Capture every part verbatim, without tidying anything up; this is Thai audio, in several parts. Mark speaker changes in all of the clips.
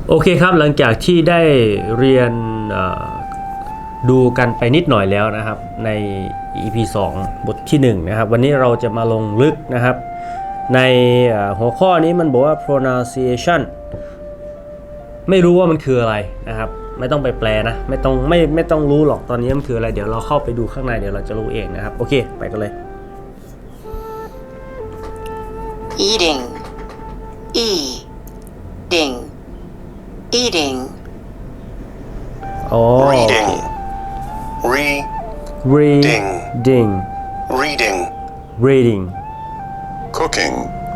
Speaker 1: โอเคครับหลังจากที่ได้เรียนดูกันไปนิดหน่อยแล้วนะครับใน อี พี สอง บทที่หนึ่งนะครับวันนี้เราจะมาลงลึกนะครับในหัวข้อนี้มันบอกว่า pronunciation ไม่รู้ว่ามันคืออะไรนะครับไม่ต้องไปแปลนะไม่ต้องไม่ไม่ต้องรู้หรอกตอนนี้มันคืออะไรเดี๋ยวเราเข้าไปดูข้างในเดี๋ยวเราจะรู้เองนะครับโอเคไปกันเลย
Speaker 2: eating eating eating
Speaker 1: oh
Speaker 3: reading
Speaker 1: reading
Speaker 3: reading
Speaker 1: reading
Speaker 3: cooking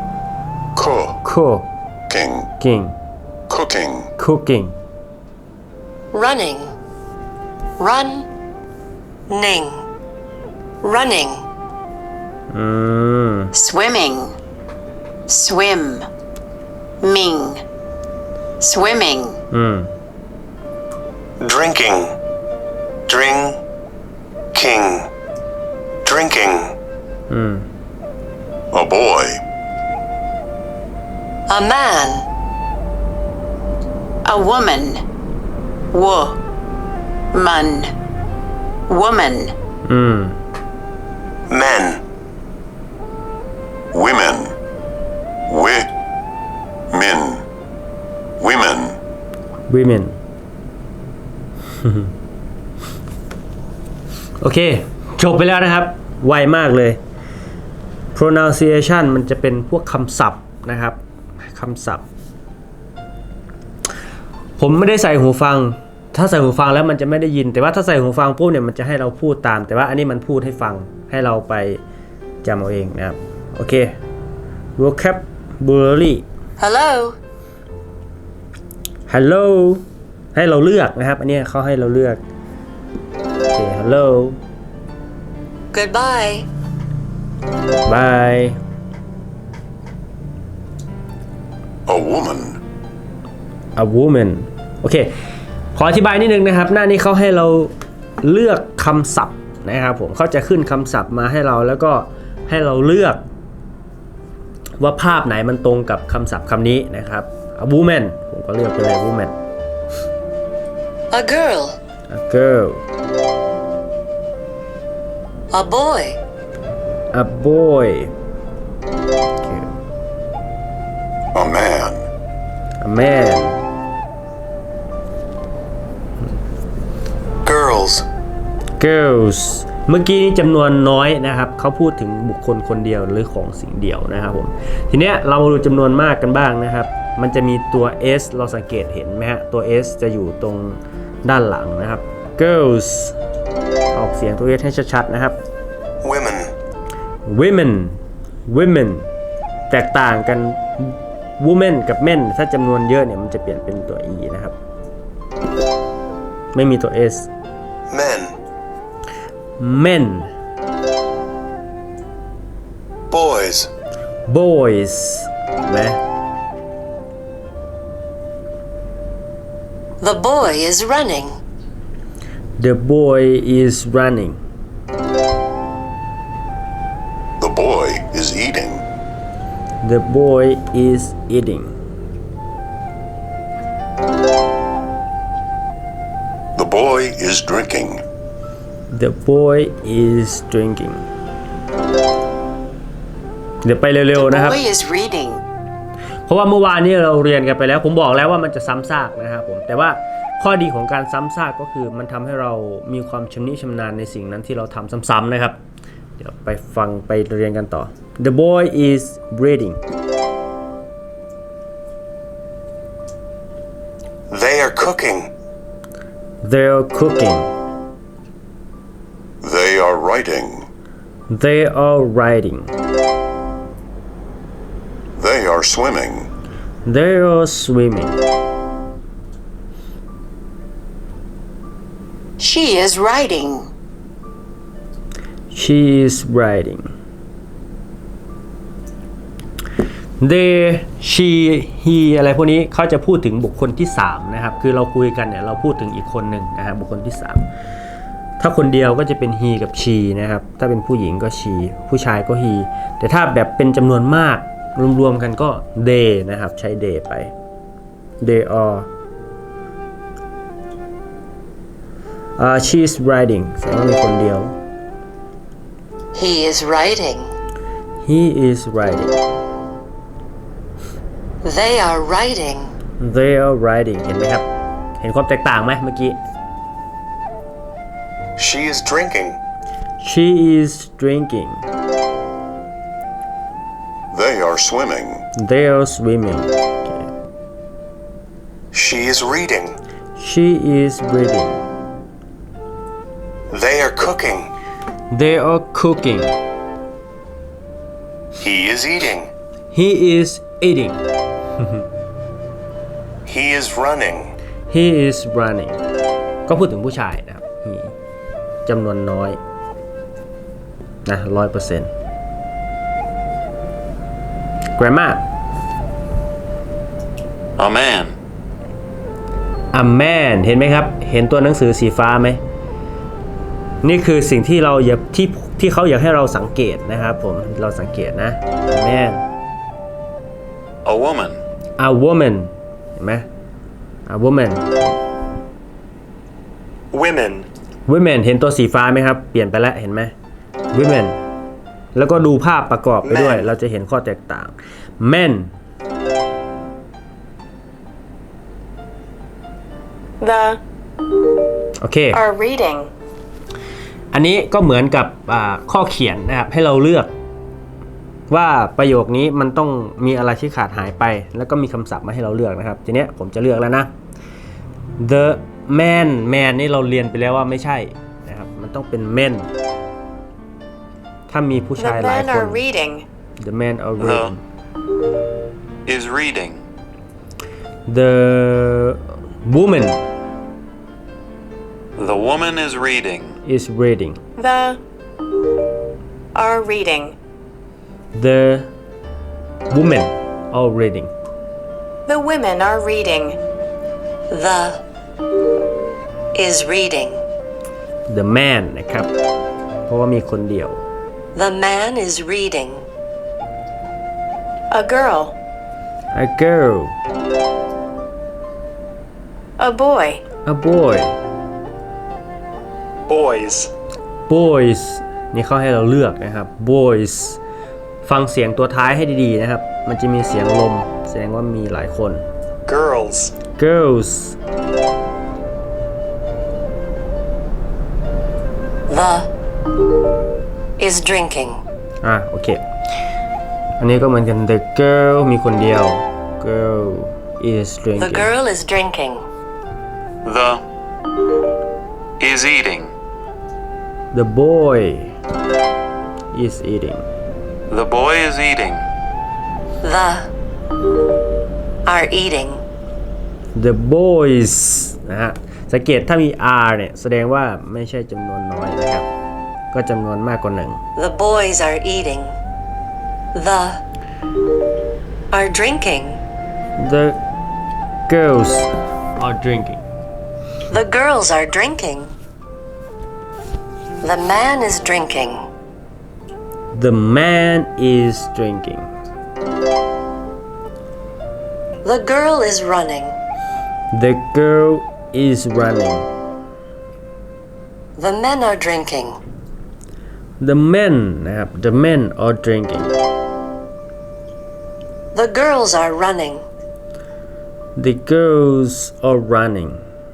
Speaker 1: cooking
Speaker 3: cooking cooking
Speaker 1: cooking
Speaker 2: running run ning running
Speaker 1: อืม
Speaker 2: swimming swim ming swimming
Speaker 1: อืม
Speaker 3: drinking drinking drinking
Speaker 1: อืม
Speaker 3: a boy
Speaker 2: a man a woman wo man woman
Speaker 1: อืม
Speaker 3: men women wi men women
Speaker 1: women โอเคจบไปแล้วนะครับไวมากเลย pronunciation มันจะเป็นพวกคำศัพท์นะครับคำศัพท์ผมไม่ได้ใส่หูฟังถ้าใส่หูฟังแล้วมันจะไม่ได้ยินแต่ว่าถ้าใส่หูฟังปุ๊บเนี่ยมันจะให้เราพูดตามแต่ว่าอันนี้มันพูดให้ฟังให้เราไปจำเอาเองนะครับโอเค vocabulary
Speaker 2: hello
Speaker 1: hello ให้เราเลือกนะครับอันนี้เขาให้เราเลือกโอเค hello
Speaker 2: goodbye
Speaker 1: bye
Speaker 3: a woman
Speaker 1: a woman โอเคขออธิบายนิดนึงนะครับหน้านี้เขาให้เราเลือกคำศัพท์นะครับผมเขาจะขึ้นคำศัพท์มาให้เราแล้วก็ให้เราเลือกว่าภาพไหนมันตรงกับคำศัพท์คำนี้นะครับ a woman ผมก็เลือกไปเลย woman
Speaker 2: a girl
Speaker 1: a girl
Speaker 2: a boy
Speaker 1: a boy okay.
Speaker 3: a man
Speaker 1: a man
Speaker 3: girls
Speaker 1: girls เมื่อกี้นี้จำนวนน้อยนะครับเขาพูดถึงบุคคลคนเดียวหรือของสิ่งเดียวนะครับผมทีเนี้ยเรามาดูจำนวนมากกันบ้างนะครับมันจะมีตัว s เราสังเกตเห็นไหมฮะตัว s จะอยู่ตรงด้านหลังนะครับ girls ออกเสียงตัว s ให้ชัดๆนะครับ
Speaker 3: women
Speaker 1: women women แตกต่างกัน women กับ men ถ้าจำนวนเยอะเนี่ยมันจะเปลี่ยนเป็นตัว e นะครับไม่มีตัว s
Speaker 3: men
Speaker 1: men
Speaker 3: boys
Speaker 1: boys นะ
Speaker 2: the boy is running
Speaker 1: the boy is running
Speaker 3: the boy is eating
Speaker 1: the boy is eating
Speaker 3: the boy is drinking
Speaker 1: the boy is drinking เดี๋ยวไปเร็วๆ
Speaker 2: the
Speaker 1: นะครับ
Speaker 2: boy is reading
Speaker 1: เพราะว่าเมื่อวานนี้เราเรียนกันไปแล้วผมบอกแล้วว่ามันจะซ้ำซากนะครับผมแต่ว่าข้อดีของการซ้ำซากก็คือมันทำให้เรามีความชำนิชำนาญในสิ่งนั้นที่เราทำซ้ำๆนะครับเดี๋ยวไปฟังไปเรียนกันต่อ the boy is reading
Speaker 3: they are cooking
Speaker 1: they're cooking
Speaker 3: they are writing
Speaker 1: they are writing
Speaker 3: they are swimming
Speaker 1: they are swimming
Speaker 2: she is writing
Speaker 1: she is writing they she he อะไรพวกนี้เขาจะพูดถึงบุคคลที่สามนะครับคือเราคุยกันเนี่ยเราพูดถึงอีกคนหนึ่งนะครับบุคคลที่สามถ้าคนเดียวก็จะเป็น he กับ she นะครับถ้าเป็นผู้หญิงก็ she ผู้ชายก็ he แต่ถ้าแบบเป็นจำนวนมากรวมๆกันก็ they นะครับใช้ they ไป they are อ่า she is riding แสดงว่ามีคนเดียว
Speaker 2: He is writing.
Speaker 1: he is riding
Speaker 2: They are writing.
Speaker 1: they are riding เห็นไหมครับ เห็นความแตกต่างไหมเมื่อกี้
Speaker 3: She is drinking.
Speaker 1: she is drinking
Speaker 3: They are swimming.
Speaker 1: they are swimming
Speaker 3: She is reading.
Speaker 1: she is reading
Speaker 3: They are cooking.
Speaker 1: they are cooking
Speaker 3: He is eating.
Speaker 1: he is eating
Speaker 3: He is running.
Speaker 1: he is running ก็พูดถึงผู้ชายนะครับ he จำนวนน้อยนะร้อยเปอร์เซ็นต์ grammar
Speaker 3: A man.
Speaker 1: a man เห็นไหมครับ เห็นตัวหนังสือสีฟ้าไหม นี่คือสิ่งที่เราอยากที่ที่เขาอยากให้เราสังเกตนะครับผม เราสังเกตนะ a man
Speaker 3: A woman.
Speaker 1: a woman เห็นไหม a woman
Speaker 3: Women.
Speaker 1: women เห็นตัวสีฟ้าไหมครับ เปลี่ยนไปแล้วเห็นไหม women แล้วก็ดูภาพประกอบไปด้วย
Speaker 3: Men
Speaker 1: เราจะเห็นข้อแตกต่าง men
Speaker 4: The
Speaker 1: โอเค
Speaker 4: are reading.
Speaker 1: อันนี้ก็เหมือนกับข้อเขียนนะครับให้เราเลือกว่าประโยคนี้มันต้องมีอะไรที่ขาดหายไปแล้วก็มีคำศัพท์มาให้เราเลือกนะครับทีเนี้ยผมจะเลือกแล้วนะ the man man นี่เราเรียนไปแล้วว่าไม่ใช่นะครับมันต้องเป็น men ถ้ามีผู้
Speaker 4: The
Speaker 1: ชายหลาย
Speaker 4: men
Speaker 1: คน
Speaker 4: are reading.
Speaker 1: the men are reading
Speaker 3: Is reading.
Speaker 1: the woman
Speaker 3: The woman is reading.
Speaker 1: is reading
Speaker 4: The are reading.
Speaker 1: the women are reading
Speaker 4: The women are reading.
Speaker 2: The is reading.
Speaker 1: the man นะครับเพราะว่ามีคนเดียว
Speaker 2: The man is reading.
Speaker 4: A girl.
Speaker 1: a girl
Speaker 4: A boy.
Speaker 1: a boy
Speaker 3: Boys.
Speaker 1: boys นี่เขาให้เราเลือกนะครับ boys ฟังเสียงตัวท้ายให้ดีๆนะครับ มันจะมีเสียงลมแสดงว่ามีหลายคน
Speaker 3: Girls.
Speaker 1: girls
Speaker 2: The is drinking.
Speaker 1: อ่ะโอเค อันนี้ก็เหมือนกัน the girl มีคนเดียว girl is
Speaker 2: The
Speaker 1: drinking
Speaker 2: girl is drinking.
Speaker 3: The is eating.
Speaker 1: the boy is eating
Speaker 3: The boy is eating.
Speaker 2: The are eating.
Speaker 1: the boys นะฮะสังเกตถ้ามี r เนี่ยแสดงว่าไม่ใช่จำนวนน้อยนะครับ ก็จำนวนมากกว่าหนึ่ง
Speaker 2: The boys are eating. The are drinking.
Speaker 1: the girls are drinking
Speaker 2: The girls are drinking. The man is drinking.
Speaker 1: the man is drinking
Speaker 2: The girl is running.
Speaker 1: the girl is running
Speaker 2: The men are drinking.
Speaker 1: the men นะครับ the men are drinking
Speaker 2: The girls are running.
Speaker 1: the girls are running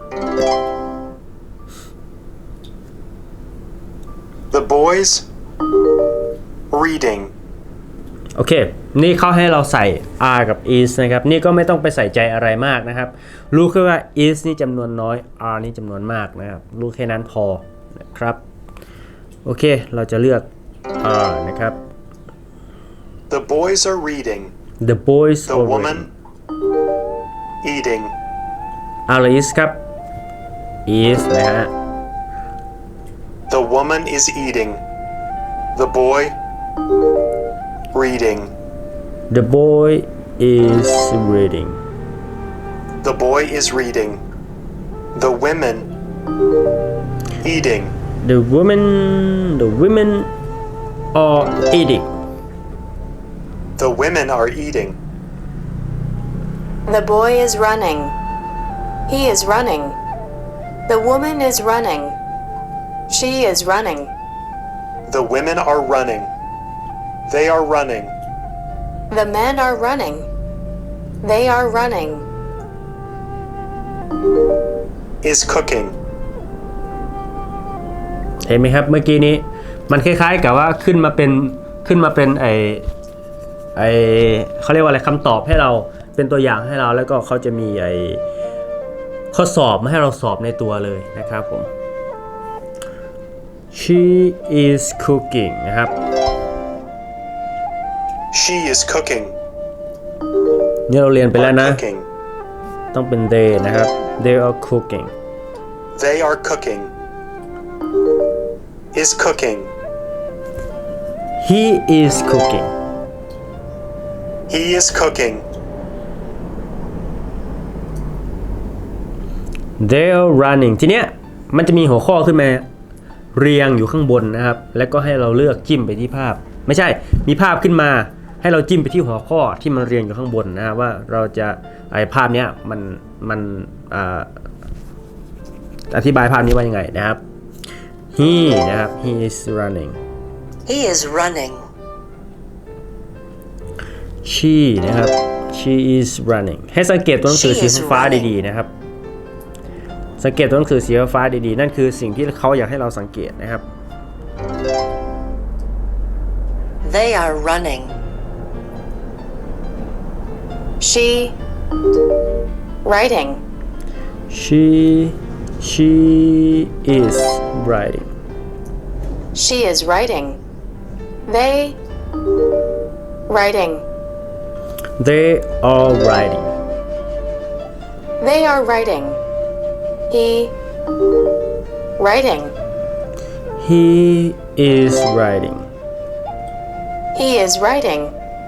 Speaker 5: The boys reading.
Speaker 1: โอเค นี่เขาให้เราใส่ r กับ is นะครับ นี่ก็ไม่ต้องไปใส่ใจอะไรมากนะครับ รู้แค่ว่า is นี่จำนวนน้อย r นี่จำนวนมากนะครับ รู้แค่นั้นพอนะครับ โอเค เราจะเลือก r นะครับ
Speaker 5: The boys are reading.
Speaker 1: the boys
Speaker 5: The
Speaker 1: are
Speaker 5: woman eating.
Speaker 1: r is ครับ is นะฮะ
Speaker 5: The woman is eating. The boy reading.
Speaker 1: the boy is reading
Speaker 5: The boy is reading. The women eating.
Speaker 1: the woman the women are eating
Speaker 5: The women are eating.
Speaker 4: The boy is running. He is running. The woman is running. She is running.
Speaker 5: The women are running. They are running.
Speaker 4: The men are running. They are running.
Speaker 5: Is cooking.
Speaker 1: เห็นไหมครับเมื่อกี้นี้มันคล้ายๆกับว่าขึ้นมาเป็นขึ้นมาเป็นไอไอเขาเรียกว่าอะไรคำตอบให้เราเป็นตัวอย่างให้เราแล้วก็เขาจะมีไอข้อสอบมาให้เราสอบในตัวเลยนะครับผม She is cooking นะครับ
Speaker 5: She is cooking.
Speaker 1: นี่เราเรียนไปแล้ว
Speaker 5: Are
Speaker 1: นะ
Speaker 5: cooking.
Speaker 1: ต้องเป็น they นะครับ they are cooking
Speaker 5: They are cooking. Is cooking.
Speaker 1: he is cooking
Speaker 5: He is cooking.
Speaker 1: they are running ทีเนี้ยมันจะมีหัวข้อขึ้นมาเรียงอยู่ข้างบนนะครับแล้วก็ให้เราเลือกจิ้มไปที่ภาพไม่ใช่มีภาพขึ้นมาให้เราจิ้มไปที่หัวข้อที่มันเรียงอยู่ข้างบนนะครับว่าเราจะไอภาพเนี้ยมันมันอ่าอธิบายภาพนี้ว่ายังไงนะครับ he นะครับ he is running
Speaker 2: He is running.
Speaker 1: she นะครับ she is running ให้สังเกตตัวหนังสือ
Speaker 2: She
Speaker 1: สี
Speaker 2: is
Speaker 1: ฟ้า
Speaker 2: running
Speaker 1: ดีๆนะครับสังเกตตัวหนังสือสีฟ้าดีๆนั่นคือสิ่งที่เขาอยากให้เราสังเกตนะครับ
Speaker 2: They are running.
Speaker 4: She. Writing.
Speaker 1: she she is writing
Speaker 4: She is writing. They. Writing.
Speaker 1: they are writing
Speaker 4: They are writing. He. Writing.
Speaker 1: he is writing
Speaker 4: He is writing.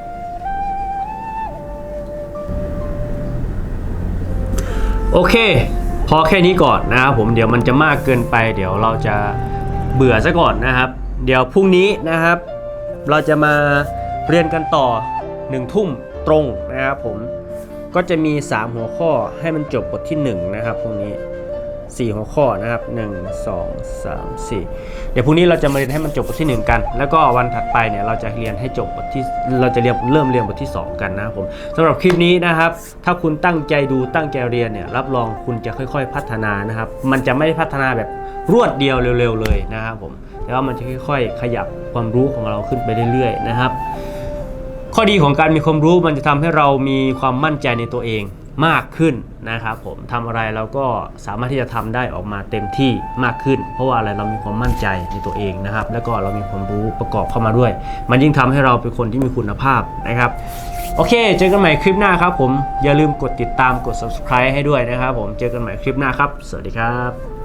Speaker 1: โอเคพอแค่นี้ก่อนนะครับผมเดี๋ยวมันจะมากเกินไปเดี๋ยวเราจะเบื่อซะก่อนนะครับ เดี๋ยวพรุ่งนี้นะครับ เราจะมาเรียนกันต่อหนึ่งทุ่มตรงนะครับผมก็จะมีสามหัวข้อให้มันจบบทที่หนึ่งนะครับพรุ่งนี้สี่หัวข้อนะครับหนึ่ง สอง สาม สี่เดี๋ยวพรุ่งนี้เราจะมาเรียนให้มันจบบทที่หนึ่งกันแล้วก็วันถัดไปเนี่ยเราจะเรียนให้จบบทที่เราจะเรียนเริ่มเรียนบทที่สองกันนะครับผมสำหรับคลิปนี้นะครับถ้าคุณตั้งใจดูตั้งใจเรียนเนี่ยรับรองคุณจะค่อยๆพัฒนานะครับมันจะไม่ได้พัฒนาแบบรวดเดียวเร็วๆเลยนะครับผมแต่ว่ามันจะค่อยๆขยับความรู้ของเราขึ้นไปเรื่อยๆนะครับข้อดีของการมีความรู้มันจะทำให้เรามีความมั่นใจในตัวเองมากขึ้นนะครับผมทำอะไรเราก็สามารถที่จะทำได้ออกมาเต็มที่มากขึ้นเพราะว่าอะไรเรามีความมั่นใจในตัวเองนะครับแล้วก็เรามีความรู้ประกอบเข้ามาด้วยมันยิ่งทำให้เราเป็นคนที่มีคุณภาพนะครับโอเคเจอกันใหม่คลิปหน้าครับผมอย่าลืมกดติดตามกด ซับสไครบ์ ให้ด้วยนะครับผมเจอกันใหม่คลิปหน้าครับสวัสดีครับ